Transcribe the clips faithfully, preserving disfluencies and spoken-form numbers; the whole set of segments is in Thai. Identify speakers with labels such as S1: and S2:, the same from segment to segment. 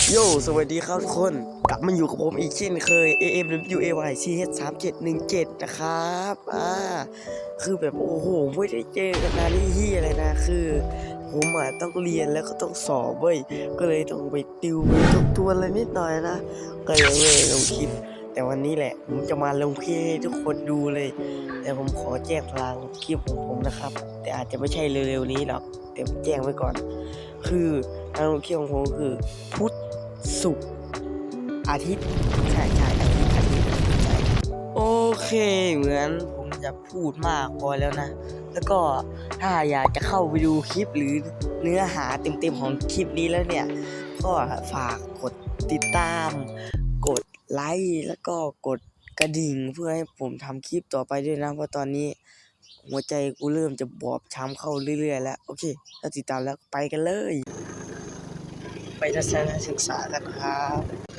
S1: โยสวัสดีครับทุกคนกลับมาอยู่กับผมอีกเช่นเคย เอ เอ็ม ดับเบิลยู เอ วาย ซี เอช สามเจ็ดหนึ่งเจ็ด นะครับอ่าคือแบบโอ้โหไม่ได้เจอกันนานนี่เฮียอะไรนะคือผมอ่ะต้องเรียนแล้วก็ต้องสอบเว้ยก็เลยต้องไปติวไปทบทวนอะไรนิดหน่อยนะก็เลยไม่ลงคลิปแต่วันนี้แหละผมจะมาลงคลิปให้ทุกคนดูเลยแต่ผมขอแจ้งพลังคลิปของผมนะครับแต่อาจจะไม่ใช่เร็วๆนี้หรอกเดี๋ยวแจ้งไว้ก่อนคือทางลงคลิปของผมคือพุธศุกร์อาทิตย์ใช่ใช่อาทิตย์อาทิตย์ใช่โอเคเหมือนผมจะพูดมากพอแล้วนะแล้วก็ถ้าอยากจะเข้าไปดูคลิปหรือเนื้อหาเต็มๆของคลิปนี้แล้วเนี่ยก็ฝากกดติดตามกดไลค์แล้วก็กดกระดิ่งเพื่อให้ผมทำคลิปต่อไปด้วยนะเพราะตอนนี้หัวใจกูเริ่มจะบอบช้ำเข้าเรื่อยๆแล้วโอเคถ้าติดตามแล้วไปกันเลยไปทัศนศึกษากันครับ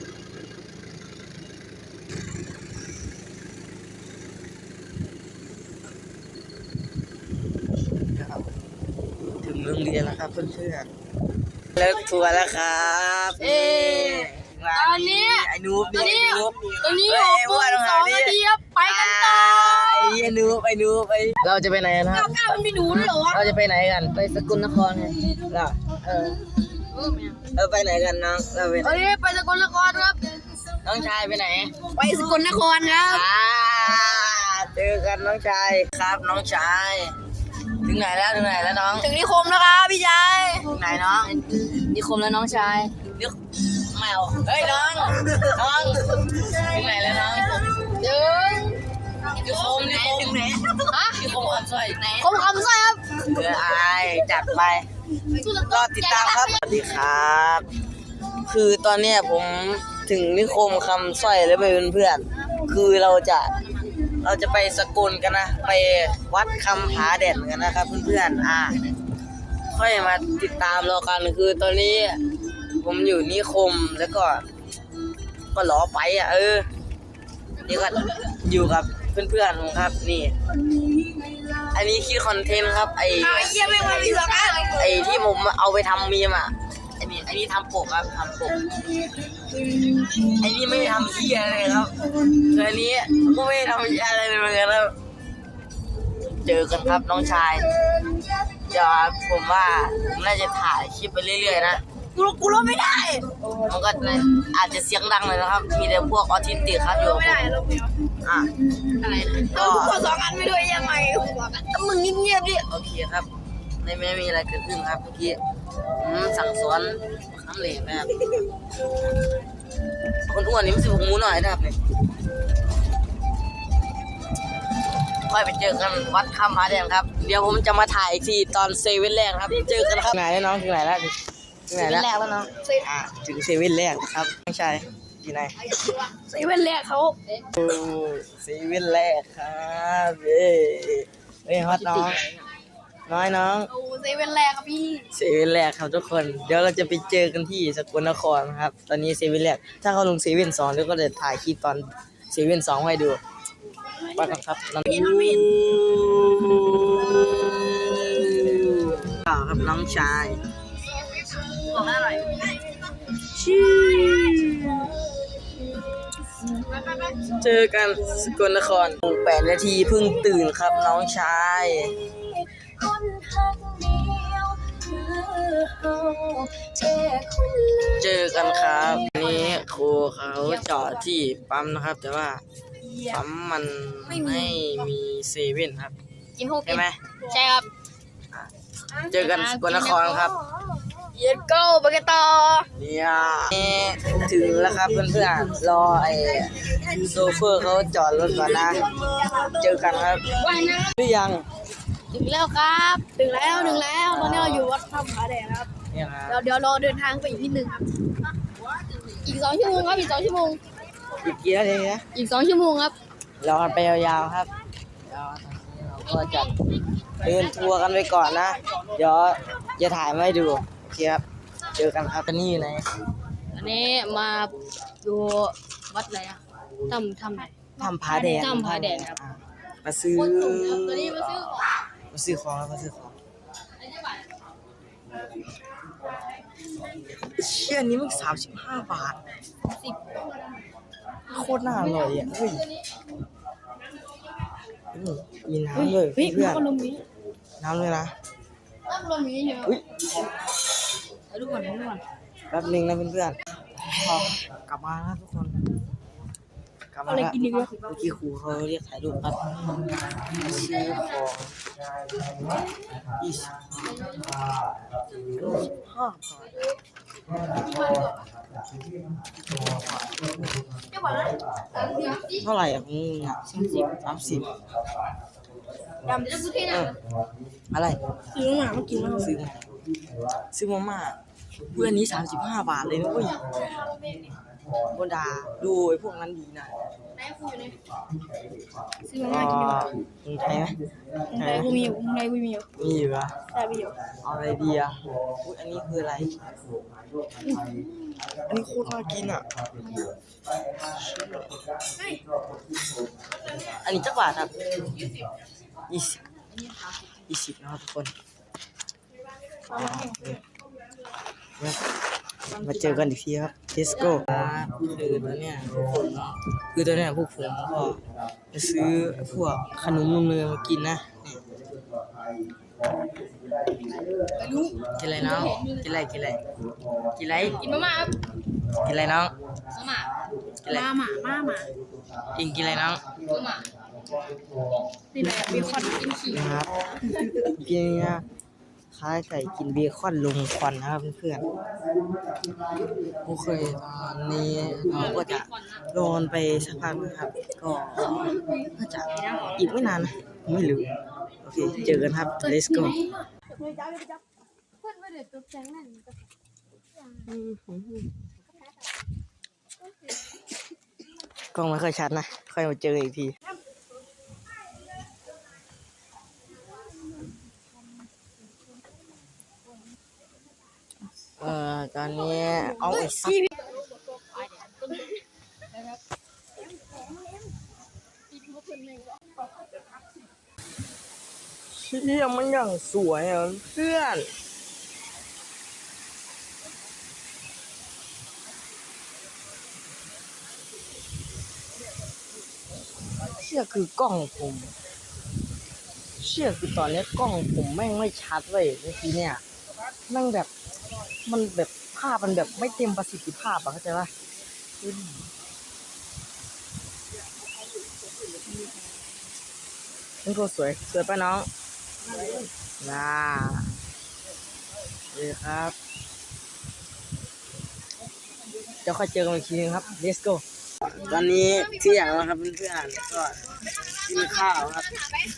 S1: ถึงโรงเรียนแล้วครับเพื่อนๆเลิกทัวร์แล้วครับเอ๊
S2: ตอนนี้
S1: ไอ้นูบ
S2: ตอนนี้
S1: ไอ้นูบ
S2: ตอนนี้หกโมงสองนาทีครับไปกันต่อ
S1: ไอ้นูบไอ้นูบไอ้เราจะไปไหนกันค
S2: เก้า
S1: รับ
S2: เก้ามันมีหนูด้วยเหรอวะ
S1: เราจะไปไหนกันไปสกลนครไงล่ะเออเออไปไหนกันน้องเราไปไหน
S2: ตอนนี้ไปสกลนครครับ
S1: น้องชายไปไหน
S2: ไปสกลนครครับ
S1: อ่าเจอกันน้องชายครับน้องชายถึงไหนแล้วถึงไหนแล้วน้อง
S2: ถึงนิคมแล้วครับพี่ชาย
S1: ถึงไหนน้อง
S2: นิคมแล้วน้องชาย
S1: นิแมวเฮ้ยน้องน้องถึงไหนแล้วน้อง
S2: ถึง
S1: นิคมนิคมไหน
S2: ฮะ
S1: นิคมคำสร้อยไหน
S2: คมคำสร้อยครับ
S1: เออไอจัดไปรอติดตามครับสวัสดีครับ คือตอนเนี้ยผมถึงนิคมคำสร้อยแล้วไปเพื่อนๆคือเราจะเราจะไปสกลกันนะไปวัดคำผาแดดกันนะครับเพื่อนๆอ่าค่อยมาติดตามเรากันคือตอนนี้ผมอยู่นิคมแล้วก็ก็ล้อไปอ่ะเออนี่ก็อยู่กับเพื่อนๆผมครับนี่อันนี้คิดคอนเทนต์ครับไอ
S2: ไอ้เยี่ยไม่มามีสองอัน
S1: ไอที่ผมเอาไปทำมีมอ่ะไอนี่ไอนี่ทำปกครับทำปกไอนี่ไม่ทำเหี้ยอะไรครับคืออันนี้ก็ไม่ทำเหี้ยอะไรเลยเหมือนกันครับเจอกันครับน้องชายเดี๋ยวผมว่าผมน่าจะถ่ายคลิปไปเรื่อยๆนะ
S2: กูกูรบไม่ได้
S1: มันก็อาจจะเสียงดังเลยนะครับมีแต่พวกออทิสติกครับอยู่
S2: ไม่ได้รบไม่ได้
S1: อ่ะ
S2: อะไรนะกูขอสองอันไม่ด้วยยังไงก็มึงเงียบๆดิ
S1: โอเคครับไม่ไม่มีอะไรเกิดขึ้นครับเมื่อกี้ผมสั่งสอนคำเหลวนะครับคนอ้วนนี่มันสิบหกมูหน่อยนะครับเนี่ยค่อยไปเจอกันวัดคำผาแดงครับเดี๋ยวผมจะมาถ่ายอีกทีตอนเซเว่นแรกครับเจอกันครับไหนแล้วน้องถึงไหนแล้วถึงไหนแล้ว
S2: แรกแล้วเนาะ
S1: อ่าถึงเซเว่นแรกครับน้องชายที่ไหน
S2: เซเว่นแรกเขา
S1: โอ้เซเว่นแรกครับเอ้ยเฮ้ยฮอตน้องน้อยน้อง
S2: โอ้เซเว่นแรกครับพี่
S1: เซเว่นแรกครับทุกคนเดี๋ยวเราจะไปเจอกันที่สกลนครครับตอนนี้เซเว่นแรกถ้าเขาลงเซเว่นสองเดี๋ยวก็จะถ่ายคลิปตอนเซเว่นสองให้ดูไปกันครับน้องต่อครับน้องชาย
S2: บอกอร่อย
S1: เจอกันสกลนครแปดนาทีเพิ่งตื่นครับน้องชายเจอกันครับนี่ครูเขาจอดที่ปั๊มนะครับแต่ว่าปั๊มมันไม่มีเซเว่นครับ
S2: กินหก
S1: ใช่ไหม
S2: ใช่ครับ
S1: เจอกันสกลนครครับ
S2: เย็นโก้ไปกันต่อ
S1: เนี่ยถึงแล้วครับเพื่อนๆรอไอ้โซเฟอร์เขาจอดรถก่อนนะเจอกันครับหรือยัง
S2: ถึงแล้วครับถึงแล้วถึงแล้วตอนนี้เราอยู่วัดถ้ำผาแดงครับ
S1: เนี่ยค
S2: เดี๋
S1: รั
S2: ยว
S1: บ
S2: เดี๋ยวรอเดินทางไปอีกนิดนึงครับอีกสองชั่วโมงครับอีกสองชั่วโมง
S1: อีกกี่นาทีนะ
S2: อีกสองชั่วโมงครับ
S1: รอกันไปยาวๆครับเดี๋ยวเราก็จะเดินทัวร์กันไปก่อนนะเดี๋ยวจะถ่ายมาให้ดูโอเคครับเจอกันครับตอนนี้อยู่ไหน
S2: อันนี้มาดูวัดอะไรอะถ้ำถ้ำไหน
S1: ทำผาแดง
S2: ถ้ำผาแดงครับ
S1: มาซื้อ
S2: ตอนนี้มาซื้อของ
S1: มาซื้อของแล้วมาซื้อของเชี่ยนี้มันสามสิบห้าบาท
S2: สิบ
S1: โคตรน่าอร่อยอ่ะเฮ้ยนี่มีน้ำเลย
S2: เฮ้ย
S1: เพื่อน
S2: น้ำลมนี้
S1: น้ำเลยนะ
S2: น้ำลมนี้เยอะ
S1: อุ้ย
S2: ดูก่อนดูก่อน
S1: แป๊บนึงนะเพื่อนๆพอกลับมาแล้วทุกคนกลับมา
S2: อะไร
S1: แล้ว
S2: กินดีวะ
S1: เมื่อกี้ครูเขาเรียกถ่ายรูปครับซื้อของยี่สิบห้าบาทเท่าไหร่อ่ะของมึงอ่ะสามสิบสามสิบ
S2: ดำจะพูดที่ไหน
S1: เอออะไร
S2: ซื้อมาเมื่อกี้มา
S1: ซื้อมาซื้อมาม่าเพื่อนนี้สามสิบห้าบาทเลยนะเว้ยบนดาดูไอ้พวกนั้นดีนะ
S2: ไหนคุยอยู่ไหนซื้อ
S1: ก็
S2: มากินดีกว่า
S1: มึงใช้ไหม
S2: ไหนกูมีอยู่ไหนกูมีอยู่
S1: มีอยู่เหรอ
S2: ใช่มีอยู่
S1: เอาอะไรดีอ่ะอุ๊ยอันนี้คืออะไรอุ๊ยอันนี้โคตรน่ากินอ่ะ อันนี้จักบาทครับยี่สิบยี่สิบนะครับทุกคนมาเจอกันอีกทีครับ let's go คือตัวเนี้ยคือตัวเนี้ยพวกผมก็จะซื้อพวกขนมนมเนยมากินนะนี่กินอะไรน้องกินอะไรกินอะไรกินอะไร
S2: กินมาม่าครับ
S1: กินอะไรน้อง
S2: มาม่า
S1: กินอะไร
S2: มาม่ามาม่า
S1: อิงกินอะไรน้อง
S2: มาม่านี่อะไรเบคอนกินขี้
S1: นะครับกินเนี่ยคล้ายใส่กินเบคอนลงควันนะครับเพื่อนๆโอเคตอนนี้เราก็จะรอนไปสักพักนะครับ ก็น่าจะอีกไม่นานนะไม่รู้โอเคเจอกันครับ let's go กล้องไม่ค่อยชัดนะ ค่อยมาเจออีกที เอ่อ ตอนนี้เอาไอ้สัตว์เชี่ยมันอย่างสวยอ่ะเพื่อน เชี่ยคือกล้องผม เชี่ยคือตอนนี้กล้องผมแม่งไม่ชัดเลยเมื่อกี้เนี่ยแม่งแบบมันแบบภาพมันแบบไม่เต็มประสิทธิภาพอะเข้าใจปะมันก็สวยสวยป่ะน้องน่าดีครับเดี๋ยวค่อยเจอกันอีกทีนึงครับ let's go ตอนนี้เที่ยงแล้วครับเพื่อนๆก็กินข้าวครับ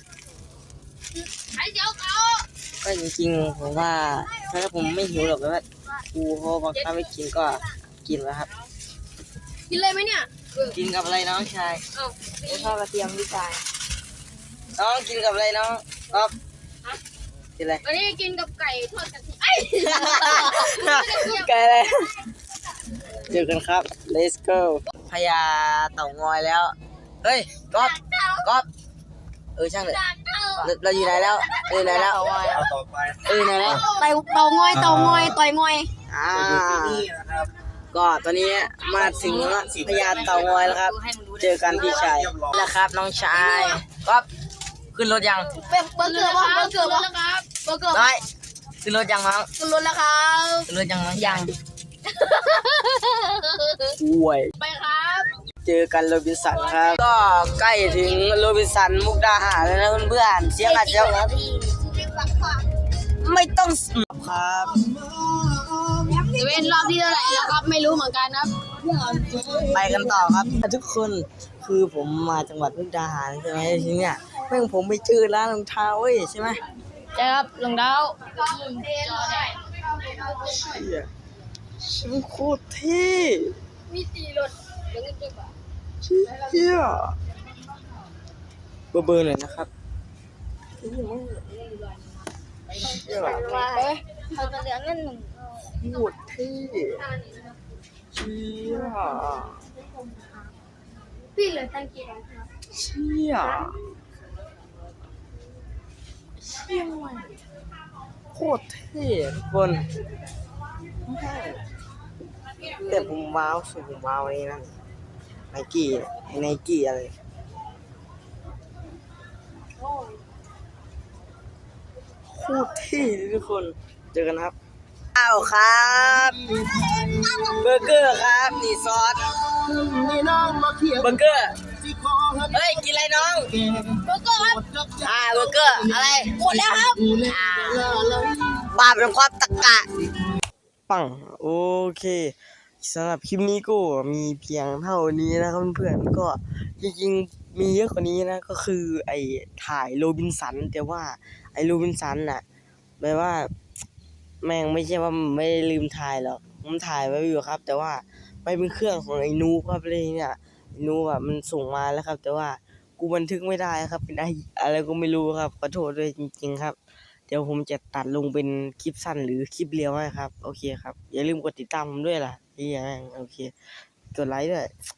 S2: ไอ้เจ้าเขา
S1: ก็จริงๆผมว่าถ้าผมไม่หิวหรอกแต่ว่าครูเขาบังคับให้กินก็กินแล้วครับ
S2: กินเลยไหมเนี่ย
S1: กินกับอะไรน้องชาย
S2: เอ้า
S1: ทอดกระเทียมพี่ชายน้องกินกับอะไรน้องก๊อฟกินอะไร
S2: วันนี้กินกับไก่ทอดกระเทียมไอ้
S1: ไก่อะไรเจอกันครับ let's go พญาเต่างอยแล้วเฮ้ยก๊อฟก๊อฟเออช่างเลยเราเราอยู่ไหนแล้วเออไหนแล้วเออไหนแล้ว
S2: ไต่เต่างอยเต่างอยต่อยงอย
S1: อ่าก็ตอนนี้มาถึงพญาเต่างอยแล้วครับ เจอกันพี่ชายแล้วครับน้องชายก๊อฟขึ้นรถยัง
S2: เป็นเบอร์เกอร์วะเบอร์เกอร์วะครับเบอร์เกอร์
S1: น้อยขึ้นรถยังน้อง
S2: ขึ้นรถแล้วครับ
S1: ขึ้นรถยังน้องยังป่วย
S2: ไปครับ
S1: เจอกันโรบินสันครับ ก็ใกล้ถึงโรบินสันมุกดาหารแล้วนะเพื่อนๆเสียงอาจจะไม่ต้องครับ
S2: จะเป็นรอบที่เท่าไหร่แล้วครับไม่รู้เหมือนกันครับ
S1: ไปกันต่อครับทุกคนคือผมมาจังหวัดมุกดาหารใช่ไหมทีเนี้ยแม่งผมไปเจอร้านรองเท้าเว้ยใช่ไหม
S2: ใช่ครับรองเท้า
S1: เชี่ยฉันโคตรเท่
S2: มีตีรถเดี๋ยวเงินเก็บอ่ะ
S1: เชี่ยเบอร์เบอร์หน่อยนะครับเชี่ย
S2: ว่าเขาจะเหลือเงินหนึ่ง
S1: โคตรเท่เชี่ย
S2: พี่เหลือตังค์กี่บาทครับ
S1: เชี่ยเชี่ยโคตรเท่ทุกคนใช่แต่ผมว้าวสุดผมว้าวอันนี้นั่นไนกี้ไนกี้อะไรโคตรเท่เลยทุกคนเจอกันครับข้าวครับเบอร์เกอร์ครับนี่ซอสเบอร์เกอร์เฮ้ยกินอะไรน้อง
S2: เบอร์เกอร์ครับ
S1: อ่าเบอร์เกอร์อะไร
S2: หมดแล้วครับ
S1: อ่าบาปเป็นความตะกะปังโอเคสำหรับคลิปนี้ก็มีเพียงเท่านี้นะครับเพื่อนๆก็จริงๆมีเยอะกว่านี้นะก็คือไอ้ถ่ายโรบินสันแต่ว่าไอ้โรบินสันน่ะแปลว่าแม่งไม่ใช่ว่าไม่ได้ลืมถ่ายหรอกผมถ่ายไว้อยู่ครับ แต่ว่าไปเป็นเครื่องของไอ้นูครับเลยเนี่ยไอ้นูอ่ะมันส่งมาแล้วครับ แต่ว่ากูบันทึกไม่ได้ครับเป็นไอ้อะไรก็ไม่รู้ครับขอโทษด้วยจริงๆครับ เดี๋ยวผมจะตัดลงเป็นคลิปสั้นหรือคลิปเรียวให้ครับ โอเคครับ อย่าลืมกดติดตามผมด้วยล่ะที่ยังโอเค กดไลค์ด้วย